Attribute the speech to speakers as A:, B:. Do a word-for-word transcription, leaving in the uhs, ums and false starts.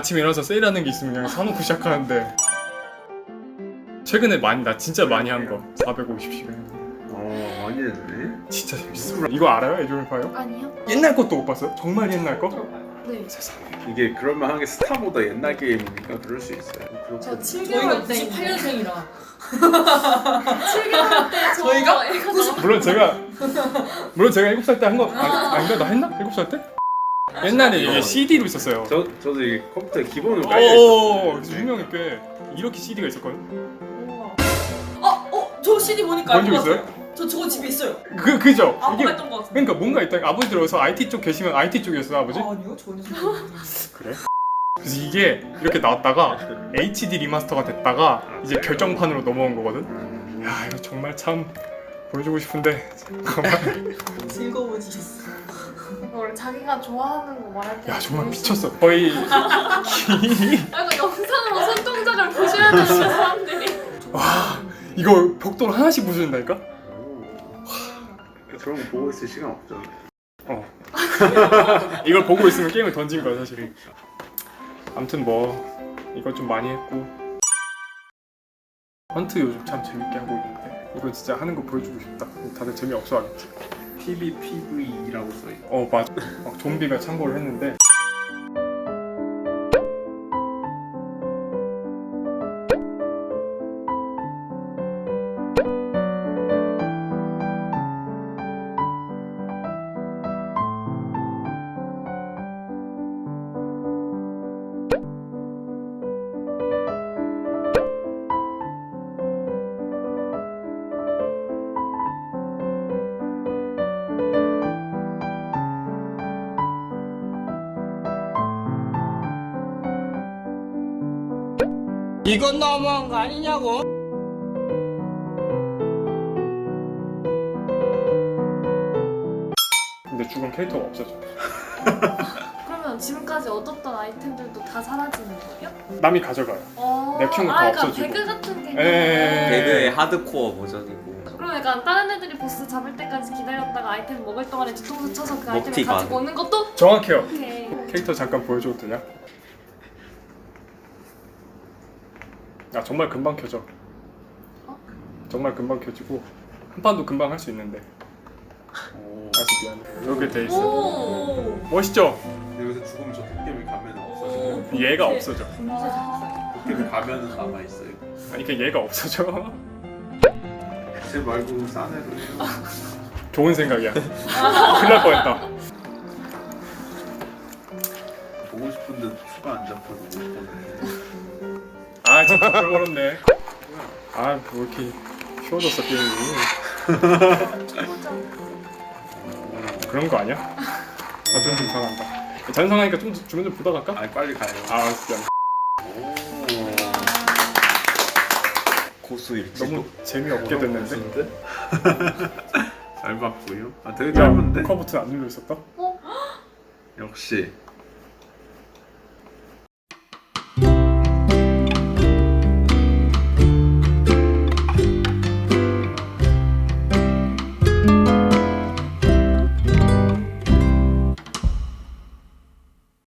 A: 아침에 일어나서 세일하는 게 있으면 그냥 사놓고 시작하는데 최근에 많이 나 진짜 많이 한 거 사백오십 시간.
B: 어 많이 했네.
A: 진짜 재밌어. 이거 알아요? 에조일파요?
C: 아니요.
A: 옛날 것도 못 봤어요? 정말 옛날 거?
C: 네.
A: 세상에.
B: 이게 그럴만 한 게 스타보다 옛날 게임이니까 그럴 수 있어요.
C: 저 칠
D: 저희가
C: 개월 때
D: 구십팔 년생이라
C: 칠 개월 때 저
D: 저희가?
C: 이거 나
A: 물론 제가 물론 제가 일곱 살 때 한 거 아니, 아닌가? 나 했나? 일곱 살 때? 옛날에 이게 씨디로 있었어요.
B: 저 저도 이 컴퓨터에 기본으로 깔려
A: 오,
B: 있었거든요.
A: 유명해 꽤. 이렇게 씨디가 있었거든.
D: 어? 어? 저 씨디 보니까
A: 본
D: 알것
A: 적 있어요?
D: 같아요. 저 저거 집에 있어요.
A: 그 그죠?
D: 아빠가
A: 이게
D: 했던 것 같은데.
A: 그러니까 뭔가 있다. 아버지 들어서 아이티 쪽 계시면 아이티 쪽이었어 아버지?
D: 아, 아니요 전혀
A: 그래? 그래서 이게 이렇게 나왔다가 에이치디 리마스터가 됐다가 이제 결정판으로 넘어온 거거든. 야 이거 정말 참 보여주고 싶은데 잠깐만.
D: 즐거워지셨어.
C: 원래 자기가 좋아하는 거 말할 때
A: 야 정말 미쳤어. 거의
C: 아 이거 영상으로 손동작을 보셔야 되는 사람들이.
A: 와 이거 벽돌 하나씩 부수는다니까?
B: 오. 그런 거 보고 있을 시간 없죠.
A: 어. 이걸 보고 있으면 게임을 던진 거야 사실. 아무튼 뭐 이거 좀 많이 했고 헌트 요즘 참 재밌게 하고 있는데 이거 진짜 하는 거 보여주고 싶다. 다들 재미없어 하겠지.
B: 피비피브이라고 써있고
A: 어 맞아. 막 좀비가 참고를 했는데
E: 이건 너무한 거 아니냐고?
A: 근데 죽은 캐릭터가 없어져.
C: 그러면 지금까지 얻었던 아이템들도 다 사라지는 거예요?
A: 남이 가져가요.
C: 어.
A: 내 키운 거다
C: 아, 그러니까
A: 없어지고.
C: 배그 같은 게.
A: 에.
F: 배그의 하드코어 버전이고
C: 그럼 약간 다른 애들이 보스 잡을 때까지 기다렸다가 아이템 먹을 동안에 뒤통수 쳐서 그 아이템을
F: 먹튀가
C: 가지고 오는 것도
A: 정확해요.
C: 오케이.
A: 캐릭터 잠깐 보여줘도 되냐? 야 정말 금방 켜져.
C: 어?
A: 정말 금방 켜지고 한 판도 금방 할 수 있는데.
B: 오.
A: 아직 미안해. 이렇게 돼 있어.
D: 오.
A: 멋있죠?
B: 여기서 죽으면 저 도깨비 가면은 없어져요.
A: 얘가 없어져.
B: 도깨비 가면은 남아있어요.
A: 아니 그 얘가 없어져.
B: 제 말고 싼 애로 해요.
A: 좋은 생각이야. 큰일 날 뻔했다.
B: 보고 싶은데 추가 안 잡혀서 못 보네.
A: 아 진짜 꿀벌었네. 아뭐 이렇게 쉬워졌어 게임이. 그런 거 아니야? 아좀 좀 상한다. 잔상하니까 좀 주면 좀 보다 갈까?
B: 아 빨리 가요.
A: 아 알았어. 미안.
B: 오.
F: 고수 일지도
A: 너무 재미없게 됐는데.
B: 잘 봤고요. 아 되게
A: 야
B: 짧은데?
A: 커 버튼 안 눌러 있었다?
B: 역시